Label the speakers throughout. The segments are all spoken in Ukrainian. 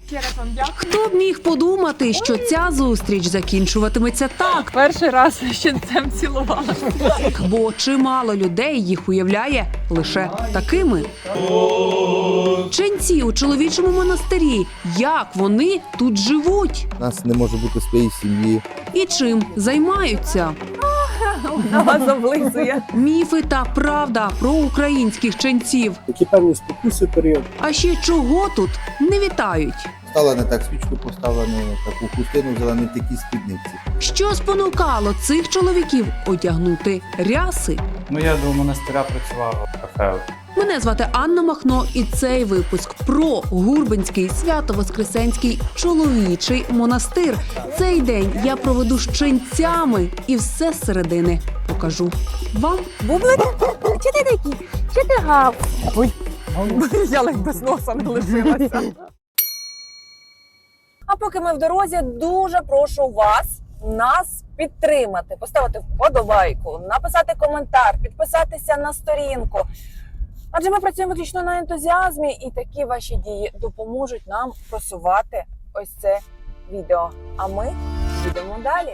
Speaker 1: Ще раз вам дякую.
Speaker 2: Хто б міг подумати, що ця зустріч закінчуватиметься так?
Speaker 1: Перший раз з ченцем цілувалася.
Speaker 2: Бо чимало людей їх уявляє лише такими. Ченці у чоловічому монастирі. Як вони тут живуть?
Speaker 3: У нас не може бути своєї сім'ї.
Speaker 2: І чим займаються?
Speaker 1: На вас облизує.
Speaker 2: Міфи та правда про українських ченців.
Speaker 4: Які певні спокуси період.
Speaker 2: А ще чого тут не вітають?
Speaker 3: Стала не так свічку поставила, не таку хустину взяла, не в такій спідниці.
Speaker 2: Що спонукало цих чоловіків одягнути ряси?
Speaker 5: Ну, я до монастиря працював в кафе.
Speaker 2: Мене звати Анна Махно, і цей випуск про Гурбинський Свято-Воскресенський чоловічий монастир. Цей день я проведу з ченцями і все зсередини покажу вам.
Speaker 1: Бублик? Чи ти такий? Чи ти гав? Ой, я ледь без носа не лишилася. А поки ми в дорозі, дуже прошу вас нас підтримати, поставити вподобайку, написати коментар, підписатися на сторінку. Адже ми працюємо виключно на ентузіазмі, і такі ваші дії допоможуть нам просувати ось це відео. А ми їдемо далі.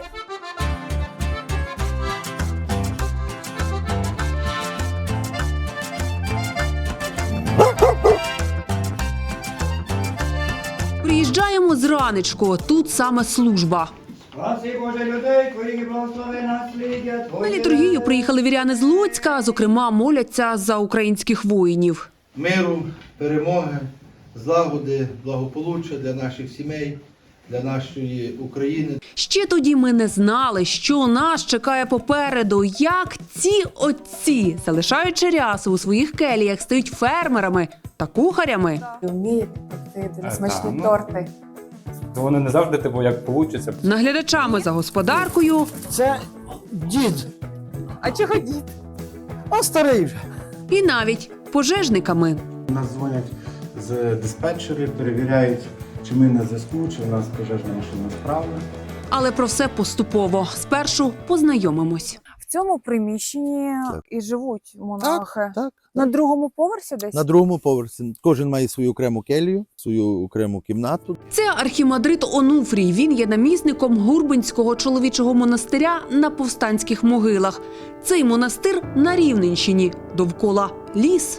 Speaker 2: Приїжджаємо зранечку, тут саме служба.
Speaker 6: Спаси Боже людей, Твоїх благослови наслідя Твоє.
Speaker 2: На літургію приїхали віряни з Луцька, зокрема моляться за українських воїнів.
Speaker 3: Миру, перемоги, злагоди, благополуччя для наших сімей, для нашої України.
Speaker 2: Ще тоді ми не знали, що нас чекає попереду, як ці отці, залишаючи ряси у своїх келіях, стають фермерами та кухарями.
Speaker 1: Вміють пекти дуже смачні
Speaker 5: ну.
Speaker 1: торти.
Speaker 5: Вони не завжди типу, як вийде.
Speaker 2: Наглядачами за господаркою
Speaker 4: Це дід,
Speaker 1: А чого дід?
Speaker 4: а старий вже.
Speaker 2: і навіть пожежниками.
Speaker 7: Нас дзвонять з диспетчери, перевіряють, чи ми на зв'язку, чи в нас пожежна машина справна.
Speaker 2: Але про все поступово. Спершу познайомимось.
Speaker 1: В цьому приміщенні
Speaker 3: Так.
Speaker 1: і живуть монахи.
Speaker 3: Так.
Speaker 1: На другому поверсі десь?
Speaker 3: На другому поверсі. Кожен має свою окрему келію, свою окрему кімнату.
Speaker 2: Це архімандрит Онуфрій. Він є намісником Гурбинського чоловічого монастиря на Повстанських могилах. Цей монастир на Рівненщині. Довкола ліс.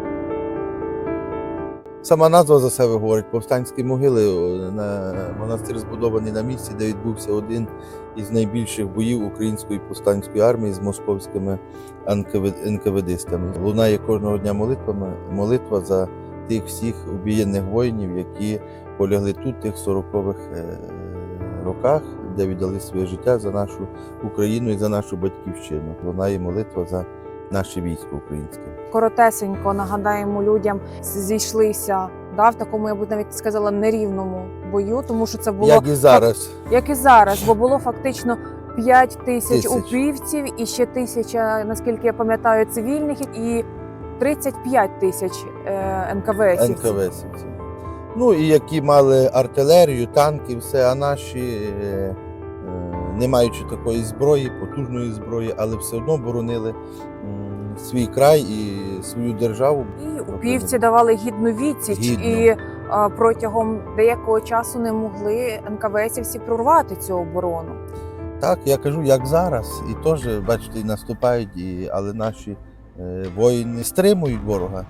Speaker 3: Сама назва за себе говорить. Повстанські могили. Монастир збудований на місці, де відбувся один із найбільших боїв української повстанської армії з московськими НКВДистами. Лунає кожного дня молитва за тих всіх убієнних воїнів, які полягли тут в тих 40-х роках, де віддали своє життя за нашу Україну і за нашу батьківщину. Лунає молитва за наше військо українське.
Speaker 1: Коротесенько нагадаємо людям, зійшлися в такому, я б навіть сказала, нерівному бою, тому що це було
Speaker 3: Як і зараз.
Speaker 1: як і зараз, бо було фактично 5 тисяч
Speaker 3: Тисяч.
Speaker 1: упівців і ще 1000, наскільки я пам'ятаю, цивільних і 35 тисяч НКВСівців.
Speaker 3: НКВСівців. Ну і які мали артилерію, танки, все, а наші, не маючи такої зброї, потужної зброї, але все одно боронили свій край і свою державу.
Speaker 1: І упівці давали гідну відсіч,
Speaker 3: Гідно.
Speaker 1: і протягом деякого часу не могли НКВСівці прорвати цю оборону.
Speaker 3: Так, я кажу, як зараз. І теж, бачите, і наступають, але наші воїни стримують ворога.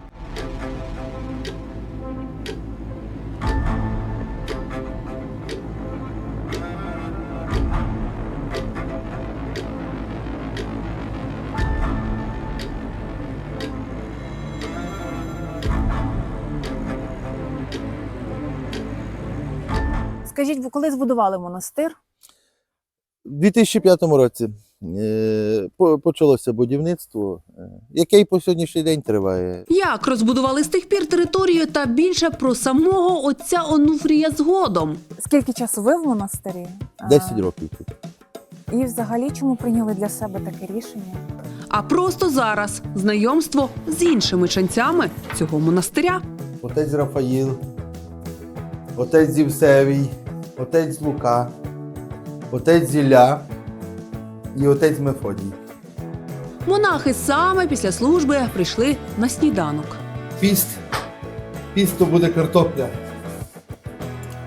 Speaker 1: Скажіть, ви коли збудували монастир?
Speaker 3: У 2005 році почалося будівництво, яке і по сьогоднішній день триває.
Speaker 2: Як розбудували з тих пір територію та більше про самого отця Онуфрія згодом.
Speaker 1: Скільки часу ви в монастирі?
Speaker 3: 10 років тут.
Speaker 1: І взагалі чому прийняли для себе таке рішення?
Speaker 2: А просто зараз знайомство з іншими ченцями цього монастиря.
Speaker 3: Отець Рафаїл, отець Євсевій, отець Лука, отець Зілля і отець Мефодій.
Speaker 2: Монахи саме після служби прийшли на сніданок.
Speaker 3: Піст. Піст то буде картопля.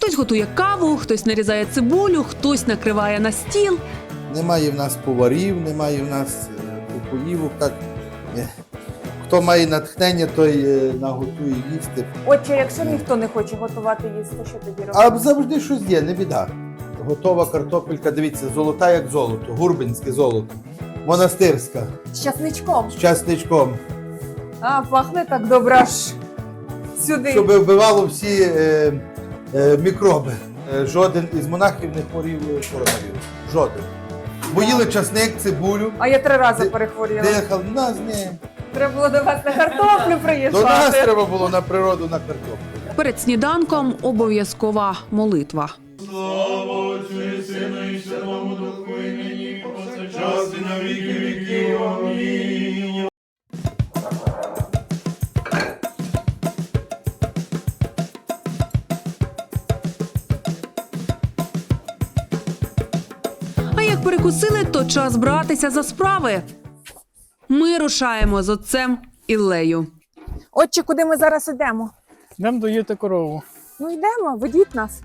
Speaker 2: Хтось готує каву, хтось нарізає цибулю, хтось накриває на стіл.
Speaker 3: Немає в нас поварів, немає в нас кухоївок. Так, хто має натхнення, той наготує їсти.
Speaker 1: Отже, якщо ніхто не хоче готувати їсти, що тоді
Speaker 3: А
Speaker 1: робити?
Speaker 3: завжди щось є, не біда. Готова картопелька, дивіться, золота як золото, гурбинське золото, монастирська,
Speaker 1: З часничком.
Speaker 3: з часничком,
Speaker 1: А, пахне так добре аж сюди.
Speaker 3: щоб вбивало всі мікроби. Жоден із монахів не хворів коронавірусом. Жоден. Бо їли часник, цибулю,
Speaker 1: А я 3 рази перехворіла.
Speaker 3: дихали. Нас ні.
Speaker 1: Треба було до вас на картоплю
Speaker 3: До нас
Speaker 1: приїжджати.
Speaker 3: треба було на природу, на картоплю.
Speaker 2: Перед сніданком обов'язкова молитва.
Speaker 6: Слава Отцю і Сину і Святому Духу, і нині, повсякчас і на віки віків. Амінь.
Speaker 2: А як перекусили, то час братися за справи. Ми рушаємо з отцем Іллею.
Speaker 1: Отче, куди ми зараз ідемо?
Speaker 4: Йдемо доїти корову.
Speaker 1: Ну йдемо, ведіть нас.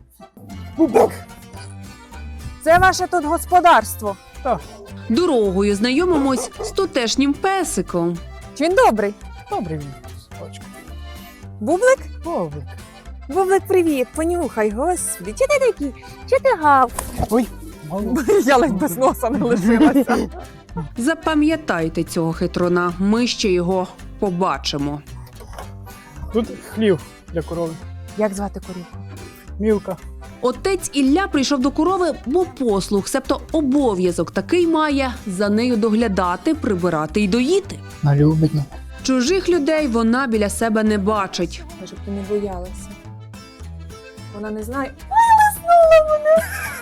Speaker 1: Це ваше тут господарство.
Speaker 4: Так,
Speaker 2: Дорогою знайомимось з тутешнім песиком.
Speaker 1: Чи він добрий?
Speaker 4: добрий він. Собачка.
Speaker 1: Бублик?
Speaker 4: Бобик.
Speaker 1: Бублик, привіт, понюхай, господи. Чи ти такий? Чи ти гав?
Speaker 4: Ой, мало.
Speaker 1: Я ледь без носа не лишилася.
Speaker 2: Запам'ятайте цього хитруна, ми ще його побачимо.
Speaker 4: Тут хлів для корови.
Speaker 1: Як звати корівку?
Speaker 4: Мілка.
Speaker 2: Отець Ілля прийшов до корови, бо послуг, себто обов'язок такий має за нею доглядати, прибирати й доїти.
Speaker 4: Вона любить мене.
Speaker 2: Чужих людей вона біля себе не бачить.
Speaker 1: Щоб ти не боялася. Вона не знає. Ой, лизнула мене!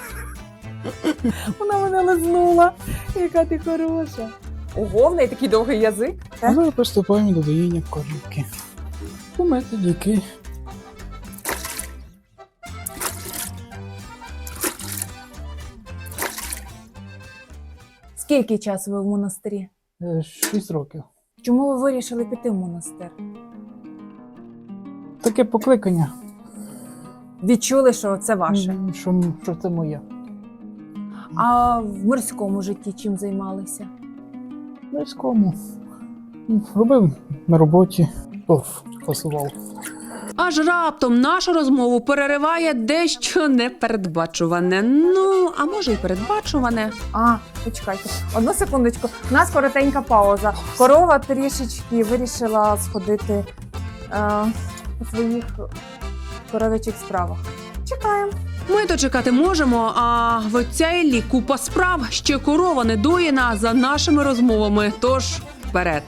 Speaker 1: Вона мене лизнула. Яка ти хороша. Ого, в неї такий довгий язик.
Speaker 4: А зараз приступаємо до доїння корівки. Помити діки.
Speaker 1: Скільки часу ви в монастирі?
Speaker 4: 6 років.
Speaker 1: Чому ви вирішили піти в монастир?
Speaker 4: Таке покликання,
Speaker 1: Відчули, що це ваше.
Speaker 4: що це моє.
Speaker 1: А в мирському житті чим займалися?
Speaker 4: Близькому. Робив на роботі. Фасував.
Speaker 2: Аж раптом нашу розмову перериває дещо непередбачуване. Ну, а може й передбачуване.
Speaker 1: А, почекайте. Одну секундочку. У нас коротенька пауза. Корова трішечки вирішила сходити у своїх коров'ячих справах. Чекаємо.
Speaker 2: Ми то чекати можемо, а в отця Іллі купа справ, ще корова не доїна за нашими розмовами. Тож вперед.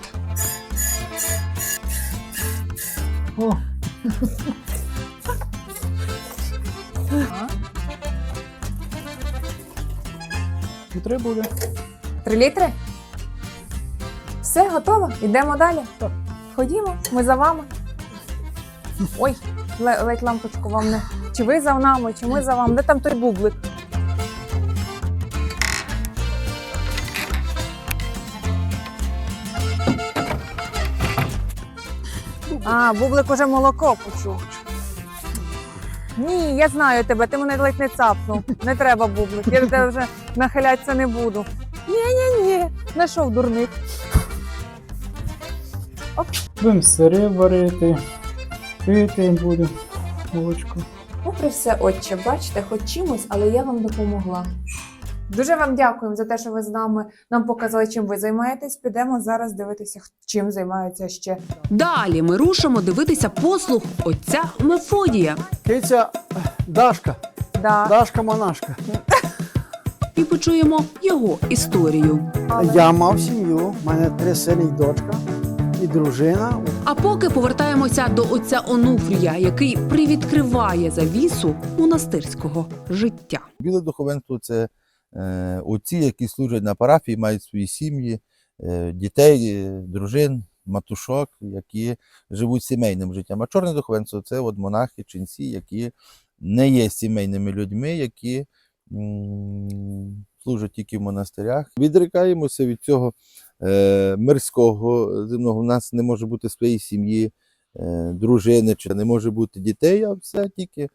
Speaker 4: О, і буде.
Speaker 1: 3 літри? Все, готово? Йдемо далі?
Speaker 4: Так.
Speaker 1: Ходімо, ми за вами. Ой, ледь лампочку вам не. Чи ви за нами, чи ми за вами? Де там той бублик? А, бублик уже молоко почув. Ні, я знаю тебе, ти мене ледь не цапнув. Не треба бублик, я до тебе вже нахилятися не буду. Ні, знайшов дурник.
Speaker 4: Будемо сири варити, пити будемо молочко.
Speaker 1: Попри все, отче, бачите, хоч чимось, але я вам допомогла. Дуже вам дякуємо за те, що ви з нами нам показали, чим ви займаєтесь. Підемо зараз дивитися, чим займаються ще.
Speaker 2: Далі ми рушимо дивитися послуг отця Мефодія.
Speaker 4: Киця Дашка.
Speaker 1: Да.
Speaker 4: Дашка монашка.
Speaker 2: І почуємо його історію.
Speaker 4: Я мав сім'ю, в мене 3 сини і дочка, і дружина.
Speaker 2: А поки повертаємося до отця Онуфрія, який привідкриває завісу монастирського життя.
Speaker 3: Біле духовенство – це отці, які служать на парафії, мають свої сім'ї, дітей, дружин, матушок, які живуть сімейним життям. А чорне духовенство – це от монахи, ченці, які не є сімейними людьми, які служать тільки в монастирях. Відрікаємося від цього мирського земного. У нас не може бути своєї сім'ї, дружини, чи не може бути дітей, а все тільки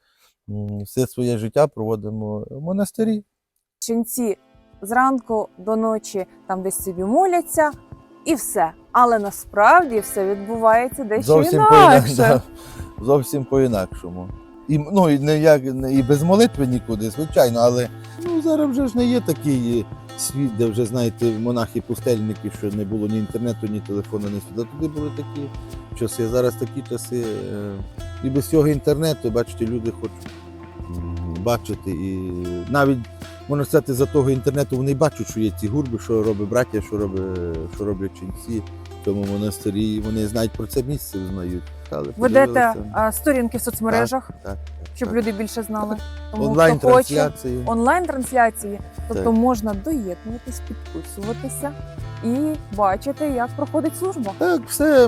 Speaker 3: все своє життя проводимо в монастирі.
Speaker 1: Ченці зранку до ночі там десь собі моляться і все. Але насправді все відбувається дещо інакше.
Speaker 3: Да, зовсім по-інакшому. І не як і без молитви нікуди, звичайно, але зараз вже ж не є такий світ, де вже, знаєте, монахи-пустельники, що не було ні інтернету, ні телефону, ні світла. Туди були такі часи. Зараз такі часи. І без цього інтернету, бачите, люди хочуть бачити. І навіть, можна сказати, за того інтернету вони бачать, що є ці гурби, що робить браття, що роблять ченці в цьому монастирі. І вони знають про це місце, знають.
Speaker 1: Ведете сторінки в соцмережах,
Speaker 3: Так,
Speaker 1: щоб
Speaker 3: так.
Speaker 1: люди більше знали. Тому хто хоче
Speaker 3: Онлайн-трансляції.
Speaker 1: онлайн-трансляції, тобто
Speaker 3: Так.
Speaker 1: можна доєднуватись, підписуватися і бачити, як проходить служба.
Speaker 3: Так, все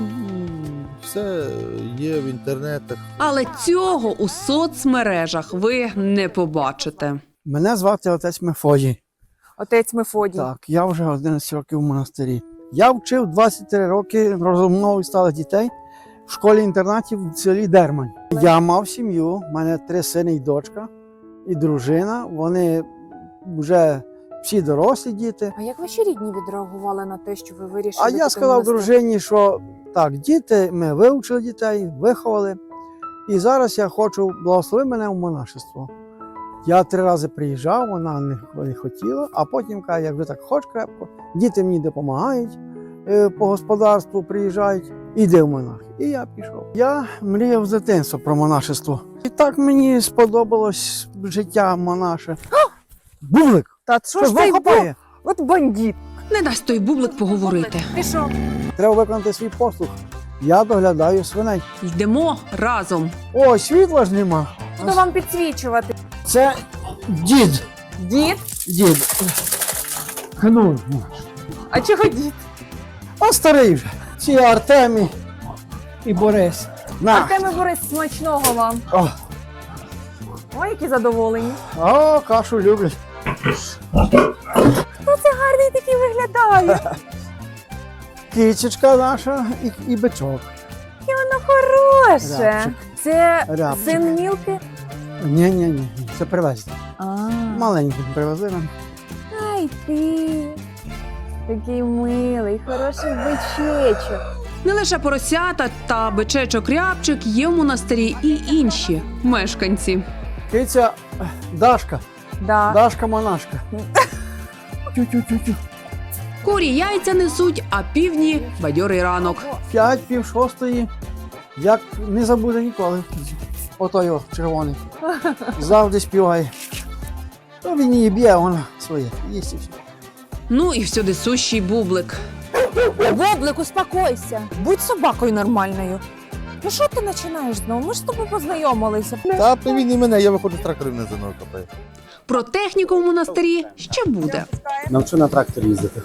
Speaker 3: є в інтернетах.
Speaker 2: Але цього у соцмережах ви не побачите.
Speaker 4: Мене звати отець Мефодій.
Speaker 1: Отець Мефодій.
Speaker 4: Так, я вже 11 років в монастирі. Я вчив 23 роки розумову сталих дітей в школі-інтернаті в селі Дермань. Я мав сім'ю, в мене 3 сини і дочка, і дружина. Вони вже всі дорослі діти.
Speaker 1: А як ваші рідні відреагували на те, що ви вирішили?
Speaker 4: А я
Speaker 1: піти в
Speaker 4: сказав
Speaker 1: монастир?
Speaker 4: дружині, що так, діти, ми вивчили дітей, виховали. І зараз я хочу, благослови мене в монашество. Я 3 рази приїжджав, вона не хотіла, а потім каже, як ви так хочеш крепко, діти мені допомагають по господарству, приїжджають, іди в монахи. І я пішов. Я мріяв з дитинства про монашество. І так мені сподобалось життя монаше. Бублик!
Speaker 1: Та що
Speaker 4: Що
Speaker 1: ж цей
Speaker 4: хапає?
Speaker 1: От бандит.
Speaker 2: Не дасть той бублик поговорити.
Speaker 1: Пішов.
Speaker 4: Треба виконати свій послуг. Я доглядаю свиней.
Speaker 2: Йдемо разом.
Speaker 4: О, світла ж нема.
Speaker 1: Буду вам підсвічувати.
Speaker 4: Це дід.
Speaker 1: Дід?
Speaker 4: Дід. Гнуй.
Speaker 1: А чого дід?
Speaker 4: А старий вже. Ці Артемій і Борис. На.
Speaker 1: Артеме Борис, смачного вам.
Speaker 4: О,
Speaker 1: Ой, які задоволені.
Speaker 4: о, кашу люблять.
Speaker 1: Гарний такий виглядає.
Speaker 4: Кічечка наша і бичок.
Speaker 1: Воно хороше.
Speaker 4: Рябчик.
Speaker 1: Це
Speaker 4: Рябчик.
Speaker 1: син Мілки?
Speaker 4: Ні, це привезли.
Speaker 1: А,
Speaker 4: Маленький привезли нам.
Speaker 1: ай ти. Такий милий, хороший бичечок.
Speaker 2: Не лише поросята та бичечок-рябчик є в монастирі і інші мешканці.
Speaker 4: Киця Дашка.
Speaker 1: Да.
Speaker 4: Дашка монашка. Тю-тю-тю-тю.
Speaker 2: Курі яйця несуть, а півдні – бадьорий ранок.
Speaker 4: 5, пів шостої. Як не забуде ніколи. Отой о, червоний. Завжди співає. То він її б'є, вона своє. Їсть і все.
Speaker 2: Ну і всюди сущий бублик.
Speaker 1: Бублик, успокойся. Будь собакою нормальною. Ну що ти починаєш знову? Ми ж з тобою познайомилися.
Speaker 3: Та привін і мене, я виходжу з трактором на зерно копаю.
Speaker 2: Про техніку в монастирі ще буде.
Speaker 7: Навчу на тракторі їздити.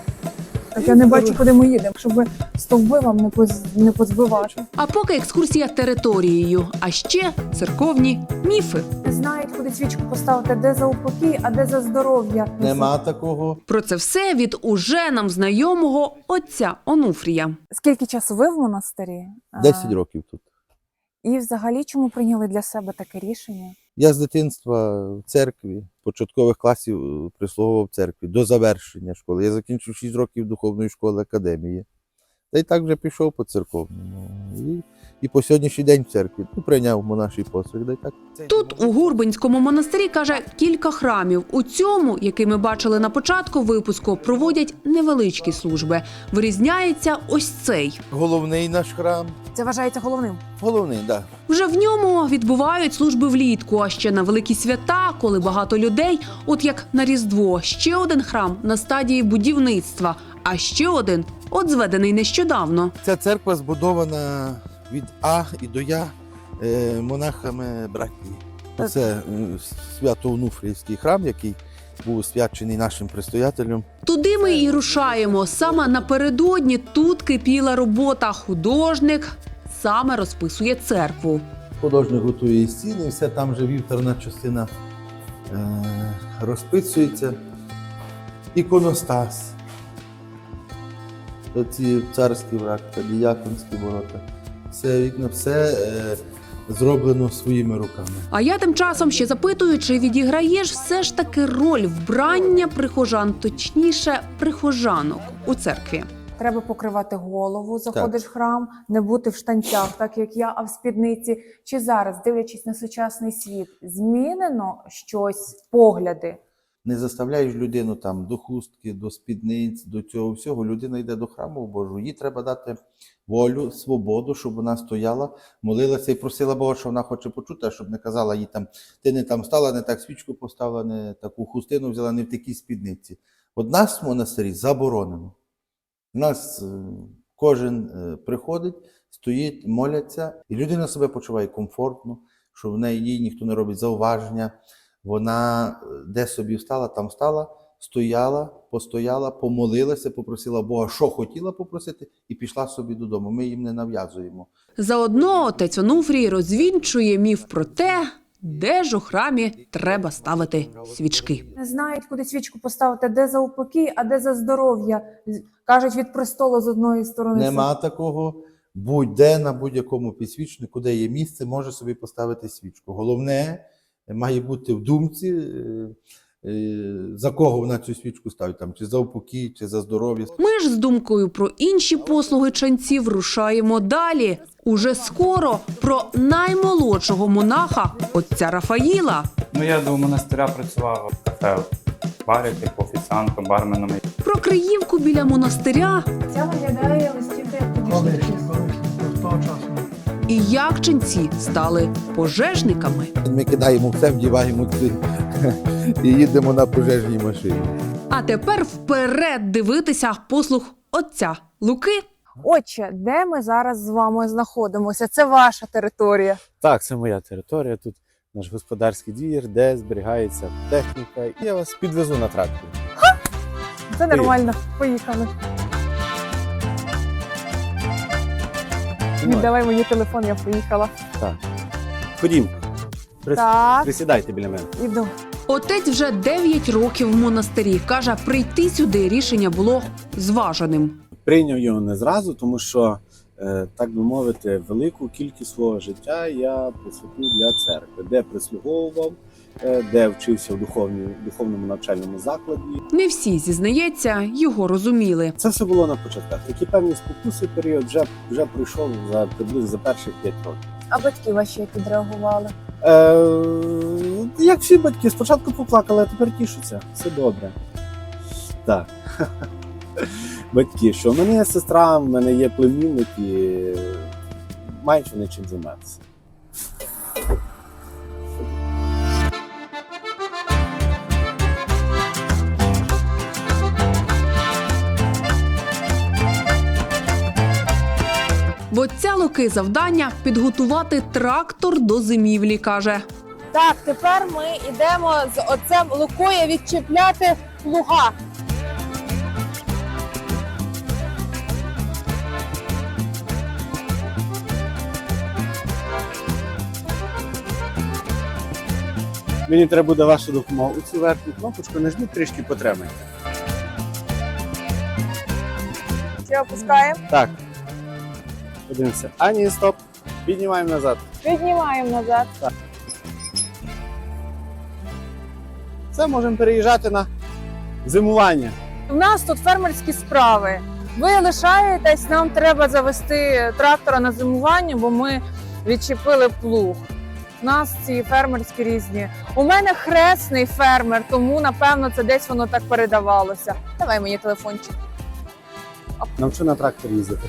Speaker 1: Так я не бачу, куди ми їдемо, щоб стовби вам не позбивати.
Speaker 2: А поки екскурсія територією, а ще церковні міфи.
Speaker 1: Не знають, куди свічку поставити, де за упокій, а де за здоров'я.
Speaker 3: Нема такого.
Speaker 2: Про це все від уже нам знайомого отця Онуфрія.
Speaker 1: Скільки часу ви в монастирі?
Speaker 3: 10 років тут.
Speaker 1: І взагалі чому прийняли для себе таке рішення?
Speaker 3: Я з дитинства в церкві, початкових класів прислуговував в церкві до завершення школи. Я закінчив 6 років духовної школи академії. Та й так вже пішов по церковному. І по сьогоднішній день в церкві прийняв монаший постриг. Да й так.
Speaker 2: Тут у Гурбинському монастирі, каже, кілька храмів. У цьому, який ми бачили на початку випуску, проводять невеличкі служби. Вирізняється ось цей.
Speaker 3: Головний наш храм.
Speaker 1: Це вважається головним.
Speaker 3: Головний, так. Да.
Speaker 2: Вже в ньому відбувають служби влітку, а ще на великі свята, коли багато людей, от як на Різдво. Ще один храм на стадії будівництва, а ще один от зведений нещодавно.
Speaker 3: Ця церква збудована від А і до Я монахами братії. Це Свято-Онуфріївський храм, який був освячений нашим предстоятелем.
Speaker 2: Туди ми і рушаємо. Саме напередодні тут кипіла робота. Художник саме розписує церкву.
Speaker 3: Художник готує і стіни, і все там вже вівторна частина розписується. Іконостас. Оці царські врата, діяконські ворота. Все вікна, все зроблено своїми руками.
Speaker 2: А я тим часом ще запитую, чи відіграєш все ж таки роль вбрання прихожан, точніше, прихожанок у церкві.
Speaker 1: Треба покривати голову, заходиш в храм, не бути в штанцях, так як я, а в спідниці. Чи зараз, дивлячись на сучасний світ, змінено щось, погляди?
Speaker 3: Не заставляєш людину там до хустки, до спідниць, до цього всього. Людина йде до храму Божого. Їй треба дати волю, свободу, щоб вона стояла, молилася і просила Бога, що вона хоче почути, а щоб не казала їй там, ти не там стала, не так свічку поставила, не таку хустину взяла, не в такій спідниці. От нас в монастирі заборонено. У нас кожен приходить, стоїть, моляться, і людина себе почуває комфортно, що в неї їй ніхто не робить зауваження. Вона де собі встала, там встала, стояла, постояла, помолилася, попросила Бога, що хотіла попросити, і пішла собі додому. Ми їм не нав'язуємо.
Speaker 2: Заодно отець Онуфрій розвінчує міф про те, де ж у храмі треба ставити свічки.
Speaker 1: Не знають, куди свічку поставити, де за упокій, а де за здоров'я. Кажуть, від престолу з одної сторони.
Speaker 3: Нема такого. Будь-де, на будь-якому підсвічнику, де є місце, може собі поставити свічку. Головне, має бути в думці, за кого вона цю свічку ставить, там, чи за упокій, чи за здоров'я.
Speaker 2: Ми ж з думкою про інші послуги ченців рушаємо далі. Уже скоро про наймолодшого монаха отця Рафаїла.
Speaker 5: Ну, я до монастиря працював в кафе, барі, типу офіціантом, барменом.
Speaker 2: Про Криївку біля монастиря
Speaker 1: Ця виглядає листівка як
Speaker 4: Колись, до того часу.
Speaker 2: і як ченці стали пожежниками.
Speaker 3: Ми кидаємо все, вдіваємо ці і їдемо на пожежній машині.
Speaker 2: А тепер вперед дивитися послуг отця Луки.
Speaker 1: Отче, де ми зараз з вами знаходимося? Це ваша територія.
Speaker 8: Так, це моя територія. Тут наш господарський двір, де зберігається техніка. І я вас підвезу на тракторі.
Speaker 1: Це нормально. Поїхали. Віддавай мені телефон, я поїхала.
Speaker 8: Ходім,
Speaker 1: Так,
Speaker 8: присідайте біля мене.
Speaker 1: іду.
Speaker 2: Отець вже 9 років в монастирі. Каже, прийти сюди рішення було зваженим.
Speaker 8: Прийняв його не зразу, тому що, так би мовити, велику кількість свого життя я присвятив для церкви, де прислуговував, де вчився в духовному навчальному закладі.
Speaker 2: Не всі, зізнається, його розуміли.
Speaker 8: Це все було на початках. Такі певні спокуси період вже пройшов приблизно за перших 5 років.
Speaker 1: А батьки ваші як відреагували?
Speaker 8: Як всі батьки, спочатку поплакали, а тепер тішуться. Все добре. Так. Батьки, що в мене є сестра, в мене є племінник і мають вони чим займатися.
Speaker 2: В отця Луки завдання – підготувати трактор до зимівлі, каже.
Speaker 1: Так, тепер ми йдемо з отцем Лукою відчіпляти плуга.
Speaker 8: Мені треба буде ваша допомога. У цю верхню кнопочку нажміть, трішки потримайте.
Speaker 1: Чи опускаємо?
Speaker 8: Так. Подивимося. А ні, стоп. Піднімаємо назад.
Speaker 1: Піднімаємо назад.
Speaker 8: Все, можемо переїжджати на зимування.
Speaker 1: У нас тут фермерські справи. Ви лишаєтесь, нам треба завести трактора на зимування, бо ми відчепили плуг. У нас ці фермерські різні. У мене хресний фермер, тому, напевно, це десь воно так передавалося. Давай мені телефончик.
Speaker 8: Навчу на тракторі їздити.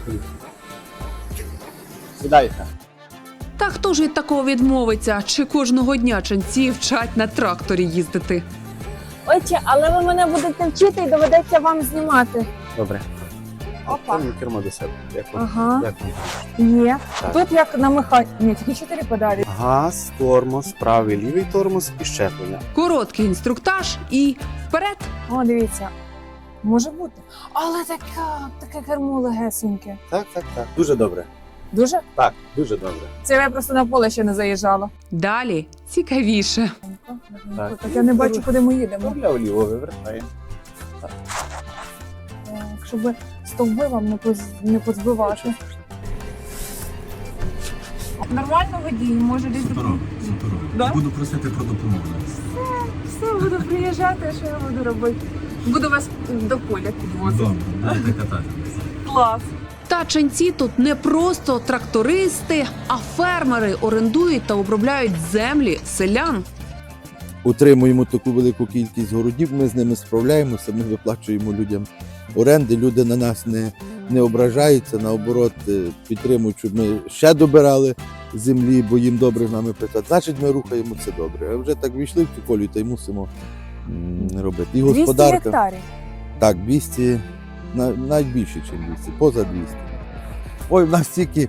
Speaker 8: Сідайте.
Speaker 2: Та хто ж від такого відмовиться? Чи кожного дня ченці вчать на тракторі їздити?
Speaker 1: Отче, але ви мене будете вчити і доведеться вам знімати.
Speaker 8: Добре.
Speaker 1: Опа.
Speaker 8: Там кермо до себе. Як вам?
Speaker 1: Ага,
Speaker 8: Як вам?
Speaker 1: є.
Speaker 8: Так.
Speaker 1: Тут як на механі. Ні, тільки 4 педалі.
Speaker 8: Газ, тормоз, правий, лівий тормоз і щеплення.
Speaker 2: Короткий інструктаж і вперед.
Speaker 1: О, дивіться. Може бути. Але таке кермо легесеньке.
Speaker 8: Так. Дуже добре.
Speaker 1: Дуже?
Speaker 8: Так, дуже добре.
Speaker 1: Це я просто на поле ще не заїжджала.
Speaker 2: Далі цікавіше.
Speaker 8: Так.
Speaker 1: Так я не бачу, куди ми їдемо.
Speaker 8: Направо ліво вивертаємо.
Speaker 1: Так, щоб стовби вам не позбивати. Нормально водій, може десь
Speaker 9: Суперово, суперово.
Speaker 1: Да?
Speaker 9: Буду просити про допомогу.
Speaker 1: все, буду приїжджати, а що я буду робити? Буду вас до поля підвозити.
Speaker 9: Добре, будете катати.
Speaker 1: Клас.
Speaker 2: Та ченці тут не просто трактористи, а фермери орендують та обробляють землі селян.
Speaker 3: Утримуємо таку велику кількість городів, ми з ними справляємося, ми виплачуємо людям оренди, люди на нас не ображаються, наоборот, підтримують, щоб ми ще добирали землі, бо їм добре з нами працювати. Значить, ми рухаємо це добре. А вже так війшли в цю колію, та й мусимо робити. І
Speaker 1: 200
Speaker 3: господарка.
Speaker 1: гектарів.
Speaker 3: Так, 200, навіть більше, ніж 200, поза 200. Ой, в нас стільки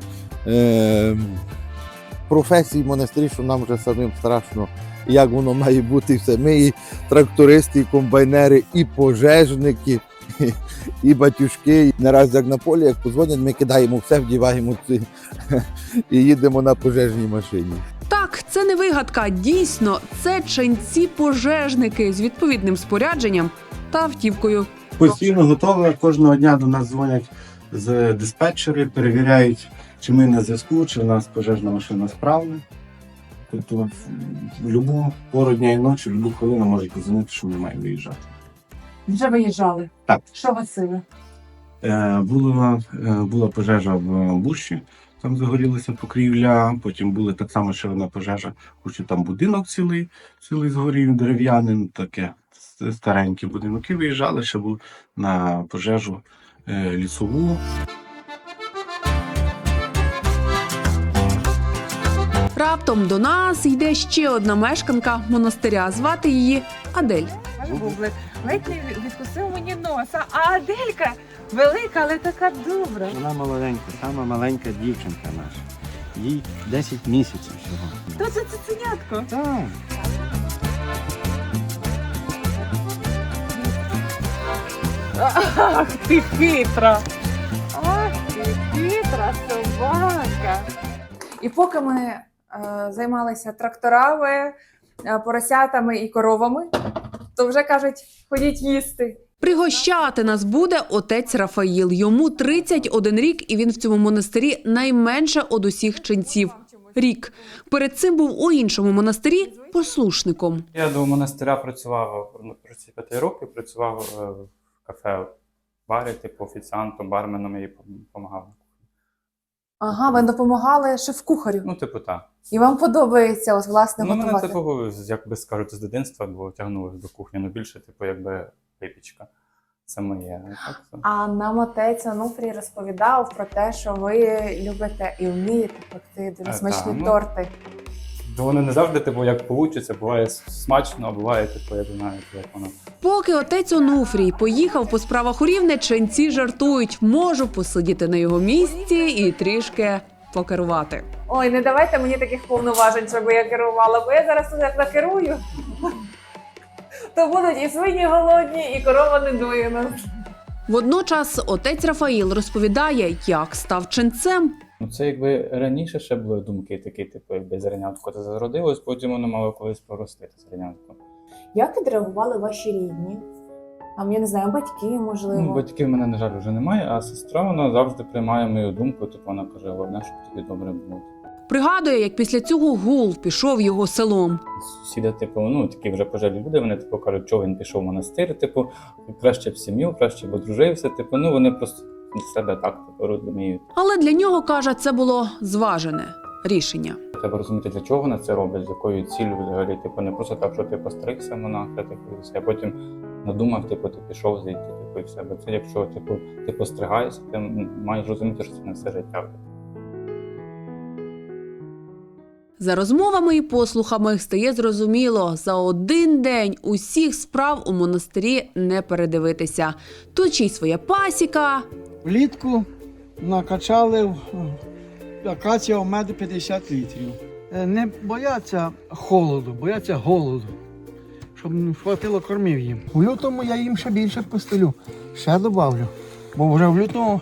Speaker 3: професій в монастирі, що нам вже самим страшно, як воно має бути все. Ми і трактористи, і комбайнери, і пожежники, і батюшки. Не раз як на полі, як позвонять, ми кидаємо все, вдіваємо ці і їдемо на пожежній машині.
Speaker 2: Так, це не вигадка. Дійсно, це ченці-пожежники з відповідним спорядженням та автівкою.
Speaker 7: Постійно готові. Кожного дня до нас дзвонять з диспетчери, перевіряють, чи ми на зв'язку, чи в нас пожежна машина справна. Тобто в будь-яку пору дня і ночі, в будь-яку хвилину можуть подзвонити, що ми маємо виїжджати.
Speaker 1: Вже виїжджали?
Speaker 7: Так.
Speaker 1: Що гасили?
Speaker 7: Була пожежа в Бущі, там загорілася покрівля, потім була так само ще одна пожежа, хоч і там будинок цілий згорів, дерев'яним, таке старенький будинок. І виїжджали, ще був на пожежу лісову.
Speaker 2: Раптом до нас йде ще одна мешканка монастиря. Звати її Адель.
Speaker 1: Бублик ледь не відкусив мені носа, а Аделька велика, але така добра.
Speaker 10: Вона молоденька, сама маленька дівчинка наша. Їй 10 місяців всього.
Speaker 1: То це цуценятко.
Speaker 10: Так.
Speaker 1: Ах, ти хитра. Ах, ти хитра собака. І поки ми займалися тракторами, поросятами і коровами, то вже кажуть, ходіть їсти.
Speaker 2: Пригощати нас буде отець Рафаїл. Йому 31 рік, і він в цьому монастирі найменше од усіх ченців. Рік. Перед цим був у іншому монастирі послушником.
Speaker 5: Я до монастиря працював протягом 5 років, працював в кафе барі, типу офіціантом, барменом і допомагав.
Speaker 1: Ага, ви допомагали шеф-кухарю.
Speaker 5: Ну, типу, так.
Speaker 1: І вам подобається, ось, власне,
Speaker 5: Ну, мене,
Speaker 1: готувати?
Speaker 5: типу, як би скажуть, з дитинства, бо тягнулося до кухні, ну більше, типу, якби випічка. Це моє. Так, це.
Speaker 1: А нам отець Онуфрій розповідав про те, що ви любите і вмієте пекти дуже смачні
Speaker 5: ну,
Speaker 1: торти.
Speaker 5: Воно не завжди, типу, як вийде, буває смачно, а буває, типу, я знаю, як воно.
Speaker 2: Поки отець Онуфрій поїхав по справах у Рівне, ченці жартують. Можу посидіти на його місці і трішки покерувати.
Speaker 1: Ой, не давайте мені таких повноважень, щоб я керувала, бо я зараз тут як накерую. То будуть і свині голодні, і корова недоїна.
Speaker 2: Водночас отець Рафаїл розповідає, як став ченцем.
Speaker 5: Ну, це якби раніше ще були думки такі, типу, якби зернятко це зародилось, потім воно мало колись прорости, це зернятко.
Speaker 1: Як відреагували ваші рідні? Там, я не знаю, батьки, можливо.
Speaker 5: Ну, батьків в мене, на жаль, вже немає, а сестра, вона завжди приймає мою думку, типу, вона каже, головне, щоб тобі добре було.
Speaker 2: Пригадує, як після цього гул пішов його селом.
Speaker 5: Сусіди, типу, ну, такі вже пожежні люди, вони, типу, кажуть, що він пішов в монастир, типу, краще б сім'ю, краще б одружився, типу, ну, вони просто з себе так, типу, розуміють.
Speaker 2: Але для нього, каже, це було зважене рішення.
Speaker 5: Треба розуміти, для чого вони це роблять, з якою ціллю взагалі, типу, не просто так, що ти постригся монаха, типу, і все, а потім надумав, типу, ти пішов звідти, типу, і все. Бо це, якщо, типу, ти постригаєшся, ти маєш розуміти, що це не все життя.
Speaker 2: За розмовами і послухами стає зрозуміло, за один день усіх справ у монастирі не передивитися. Тут ще й своя пасіка.
Speaker 4: Влітку накачали в акація меду 50 літрів. Не бояться холоду, бояться голоду, щоб не хватило кормів їм. У лютому я їм ще більше постелю, ще добавлю. Бо вже в лютому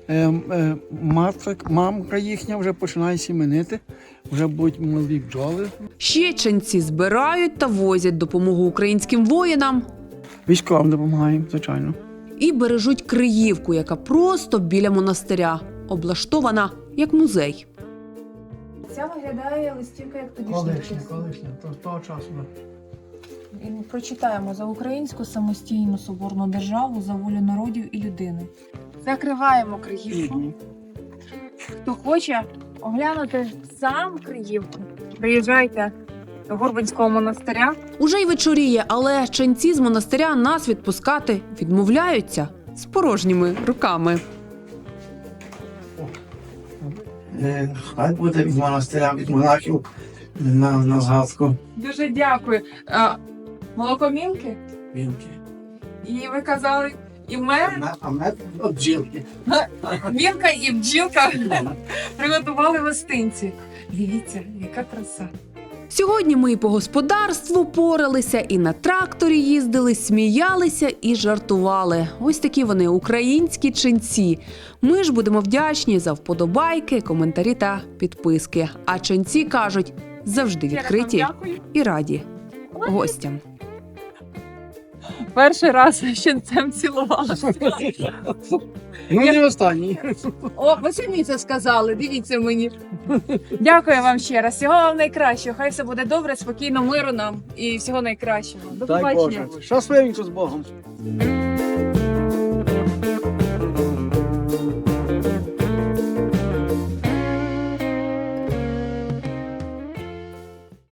Speaker 4: мамка їхня вже починає сіменити, вже будуть молоді бджоли.
Speaker 2: Ще ченці збирають та возять допомогу українським воїнам.
Speaker 4: Військовим допомагаємо, звичайно.
Speaker 2: І бережуть Криївку, яка просто біля монастиря, облаштована як музей.
Speaker 1: Ця виглядає листівка як тоді.
Speaker 4: Колишня, то з того часу.
Speaker 1: І прочитаємо за українську самостійну соборну державу, за волю народів і людини. Закриваємо Криївку. Хто хоче оглянути сам Криївку, приїжджайте до Гурбинського монастиря.
Speaker 2: Уже й вечоріє, але ченці з монастиря нас відпускати відмовляються з порожніми руками.
Speaker 4: Хай буде від монастиря, від монахів на згадку.
Speaker 1: Дуже дякую. Молокомілки?
Speaker 4: Вінки.
Speaker 1: І ви казали, і мер,
Speaker 4: А мед от бджілки.
Speaker 1: Вінка і бджілка приготували гостинці. Дивіться, яка краса.
Speaker 2: Сьогодні ми і по господарству поралися, і на тракторі їздили, сміялися і жартували. Ось такі вони, українські ченці. Ми ж будемо вдячні за вподобайки, коментарі та підписки. А ченці кажуть, завжди відкриті і раді гостям.
Speaker 1: Перший раз щенцем цілувалася.
Speaker 4: Ну, не останній.
Speaker 1: О, ви самі це сказали, дивіться мені. Дякую вам ще раз. Всього вам найкращого. Хай все буде добре, спокійно, миру нам і всього найкращого. До
Speaker 4: Дай
Speaker 1: побачення.
Speaker 4: Боже. Щасливенько з Богом.